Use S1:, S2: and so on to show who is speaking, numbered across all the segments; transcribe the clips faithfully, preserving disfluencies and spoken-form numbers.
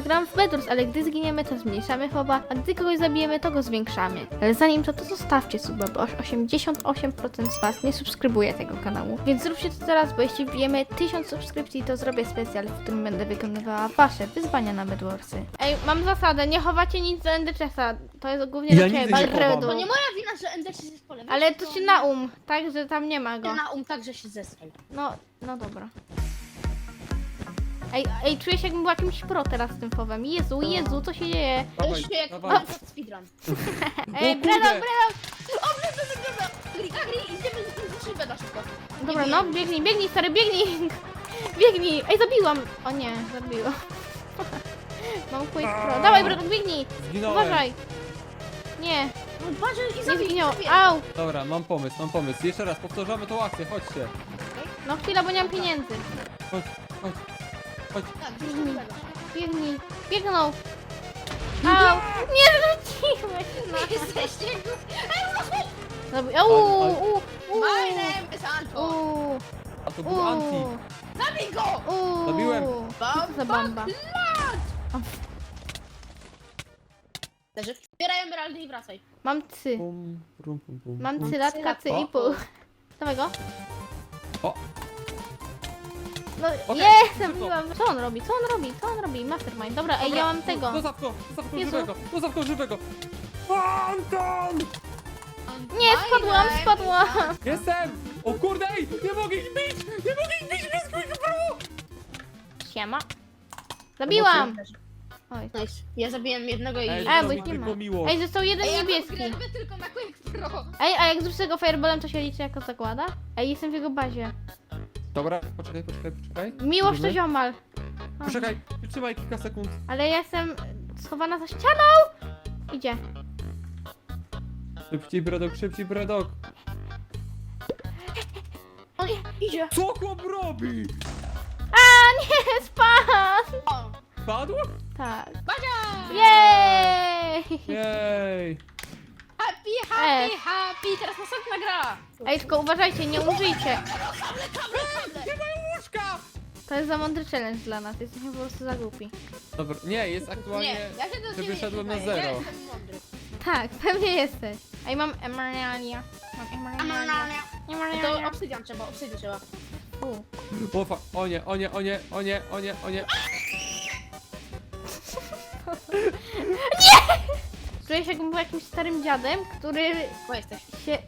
S1: gram w Bedwars, ale gdy zginiemy, to zmniejszamy foba, a gdy kogoś zabijemy, to go zwiększamy. Ale zanim to, to zostawcie suba, bo aż osiemdziesiąt osiem procent z was nie subskrybuje tego kanału. Więc zróbcie to teraz, bo jeśli wbijemy tysiąc subskrypcji, to zrobię specjal, w którym będę wykonywała wasze wyzwania na Bedwarsy. Ej, mam zasadę, nie chowacie nic do Ender Chesta. To jest głównie
S2: Ja
S1: do ciebie,
S2: nigdy nie chowam.
S1: Balredo.
S3: To nie moja wina, że Endersi jest polem.
S1: Ale to się na um, tak, że tam nie ma go.
S3: Ty na um tak, że się zesrał.
S1: No, no dobra. Ej, ej, czuję się jakbym była jakimś pro teraz z tym fowem. Jezu, Jezu, co się dzieje?
S3: To
S2: Dawaj,
S3: już jak
S2: dawaj.
S3: speedrun.
S1: Ej,
S2: kurde.
S1: Bredok, Bredok!
S3: O, dobra, dobra, dobra. Agri, Agri, idziemy z szybę na szybko.
S1: Dobra,
S3: Nie
S1: no,
S3: wiem.
S1: biegnij, biegnij, stary, biegnij! Biegnij! Ej, zabiłam! O nie, zabiłam. Mam quick pro. Dawaj, Bredok, biegnij!
S2: Zginąłem.
S1: Uważaj! Nie,
S3: No uważaj i
S1: nie
S3: zabij,
S1: zginął.
S3: zabij.
S1: Au!
S2: Dobra, mam pomysł, mam pomysł. Jeszcze raz, powtarzamy tą akcję, chodźcie.
S1: No chwila, bo nie mam pieniędzy.
S2: Chodź, chodź, chodź.
S3: Tak, gdzieś tu
S1: Biegnij,
S3: ulegasz.
S1: biegnij, biegnął! Au! Nie rzuciłeś na...
S3: Jesteście głupi.
S1: Zabi- Au,
S2: Ale-
S1: u, u,
S3: My name is Anton.
S1: u,
S2: A to był anti.
S1: u,
S3: Zabij go!
S1: u.
S2: Zabiłem.
S1: Co to za bomba?
S3: Leży. Zbieraj emeraldy i wracaj.
S1: Mam cy.
S2: Pum, pum, pum, pum,
S1: Mam
S2: pum.
S1: cylatka, cy
S2: O.
S1: i pół. Dawaj go.
S2: O.
S1: No
S2: Okej,
S1: jest,
S2: szybko.
S1: zabiłam. Co on robi? Co on robi? Co on robi? Mastermind. Dobra, ej, ja mam tego.
S2: Zostaw go, zostaw go
S1: Jezu.
S2: żywego, zostaw go żywego. Anton!
S1: Nie,
S3: My
S1: spadłam,
S3: name
S1: spadłam.
S3: is Anton.
S2: Jestem! O kurde, ej, nie mogę ich bić! Nie mogę ich bić bez quick pro!
S1: Siema. Zabiłam. Oj.
S3: Nice. Ja zabiłem jednego i...
S2: Ej,
S1: A,
S2: to
S1: bo
S2: mi
S1: ich nie ma.
S2: tylko miło.
S1: Ej, został jeden
S3: Ej, ja
S1: niebieski.
S3: grę robię tylko na Quick Pro.
S1: Ej, a jak zrzucę go fireballem, to się liczy jako zakłada? Ej, jestem w jego bazie.
S2: Dobra, poczekaj, poczekaj, poczekaj.
S1: Miłość to
S2: Robimy?
S1: ziomal. A,
S2: Poczekaj, trzymaj kilka sekund.
S1: ale ja jestem schowana za ścianą. Idzie.
S2: Szybciej, Bredok, szybciej, Bredok.
S3: On idzie.
S2: Co chłop robi?
S1: A, nie, spadł.
S3: O,
S2: Padł?
S1: Tak.
S3: Badzia!
S1: Jej!
S2: Jej.
S3: Happy, happy,
S1: Ej.
S3: happy. Teraz następna gra.
S1: Ej, tylko uważajcie, nie umrzyjcie.
S2: Nie mają łóżka!
S1: To jest za mądry challenge dla nas, jesteśmy po prostu za głupi.
S2: Dobra, nie, jest aktualnie...
S3: Nie, ja się do
S2: że
S3: ciebie
S2: wyszedłem na
S3: przyznaję.
S2: zero.
S3: Ja jestem mądry.
S1: Tak, pewnie jesteś. Ej, mam emerania. Mam emerania.
S3: To
S1: Emerania.
S3: obsydian trzeba, obsydian trzeba.
S1: U.
S2: O, fa- o nie, o nie, o nie, o nie, o nie, o nie.
S1: Czuję się jakbym był jakimś starym dziadem, który
S3: Bo jesteś.
S1: się...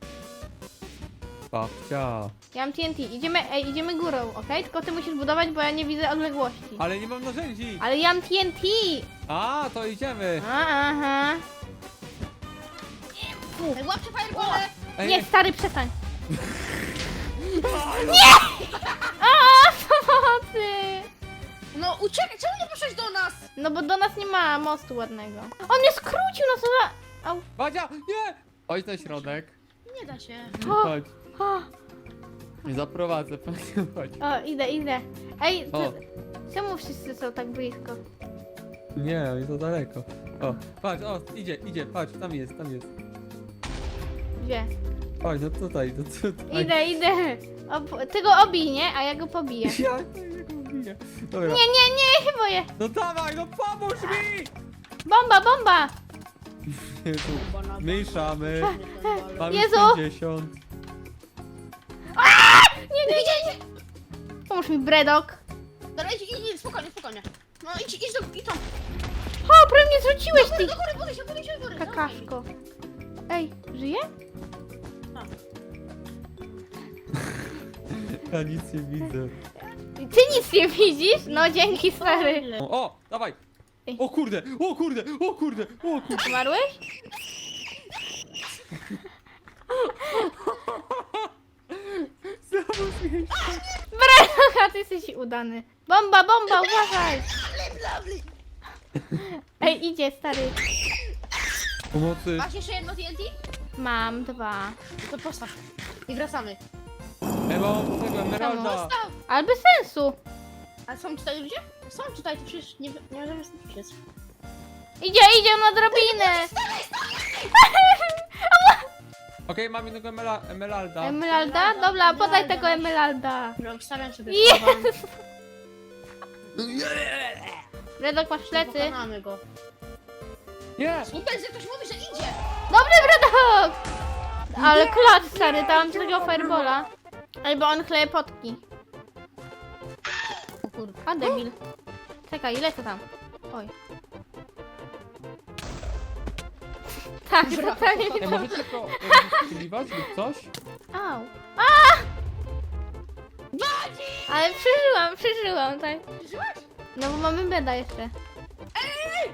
S2: Babcia.
S1: Ja mam T N T. Idziemy, ej, idziemy górą, okej? Tylko ty musisz budować, bo ja nie widzę odległości.
S2: Ale nie mam narzędzi.
S1: Ale ja mam T N T!
S2: A, to idziemy.
S1: A, aha.
S3: Ej, łapcie firebole.
S2: Ej,
S1: Nie, stary, przestań. Nie! A, pomocy!
S3: No uciekaj, czemu nie poszłeś do nas?
S1: No bo do nas nie ma mostu ładnego. On mnie skrócił, no co za... Au.
S2: Badzia, nie! Chodź na środek.
S3: Nie da się.
S1: O,
S2: Chodź.
S1: o,
S2: Zaprowadzę, chodź.
S1: o, idę, idę. Ej,
S2: O.
S1: to, czemu wszyscy są tak blisko?
S2: Nie, jest to daleko. O, patrz, o, idzie, idzie, patrz, tam jest, tam jest.
S1: Gdzie?
S2: Chodź, no tutaj, no tutaj.
S1: Idę, idę. O, ty go obij, nie? A ja go pobiję.
S2: Ja tego biję. Dobra.
S1: Nie, nie, nie, ja się boję.
S2: No dawaj, no pomóż mi!
S1: Bomba, bomba!
S2: Jezu, Mniejszamy. Mamy
S1: Jezu!
S2: pięćdziesiąt.
S1: Nie, nie, nie, nie. Pomóż mi, Bredok.
S3: Dobra, idź, idź, idź, spokojnie, spokojnie. No idź, idź do, idź tam.
S1: O, prawie mnie zrzuciłeś,
S3: Do
S1: ty
S3: góry, do góry, buduj się, buduj się, do góry.
S1: kakaszko. Ej, żyje?
S2: Ja nic nie widzę.
S1: Ty nic nie widzisz? No dzięki, stary.
S2: O, o, dawaj!
S1: Ej.
S2: O kurde, o kurde, o kurde, o kurde.
S1: Umarłeś?
S2: Znowu zmieść.
S1: Bredok, ty jesteś udany. Bomba, bomba, uważaj. Ej, idzie, stary.
S2: Pomocy.
S3: Masz jeszcze jedno T N T?
S1: Mam dwa.
S3: To postaw. I wracamy.
S2: Ja mam tego emeralda.
S3: Postaw!
S1: Ale bez sensu.
S3: A są tutaj ludzie? Są tutaj, to przecież nie, nie możemy stąd uciec.
S1: Idzie, idzie na drabinę.
S2: Okej, mam jednego emera emeralda.
S1: Emeralda? Dobra, podaj tego emeralda.
S3: Że obstawiam sobie
S1: Jezu.
S3: słowa.
S1: Bredok, masz plecy.
S3: Pokonamy go.
S2: Nie!
S3: Super, że ktoś mówi, że idzie!
S1: Dobry Bredok! Ale klat, stary, dałam ci takiego firebola. Albo on chleje potki.
S3: O kurde.
S1: A debil. Czekaj, ile to tam? Oj. Tak,
S3: Brawo.
S1: totalnie
S2: Ej,
S1: nie
S2: możecie to jakby strzeliwać lub coś?
S1: Au. A! Ale przeżyłam, przeżyłam, tak.
S3: Przeżyłaś?
S1: No bo mamy beda jeszcze.
S2: A!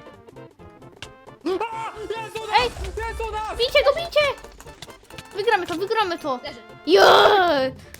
S2: Jest u nas!
S1: Ej!
S2: Jest u nas!
S1: Bijcie go, bijcie! Wygramy to, wygramy to.
S3: Leży.
S1: Jo!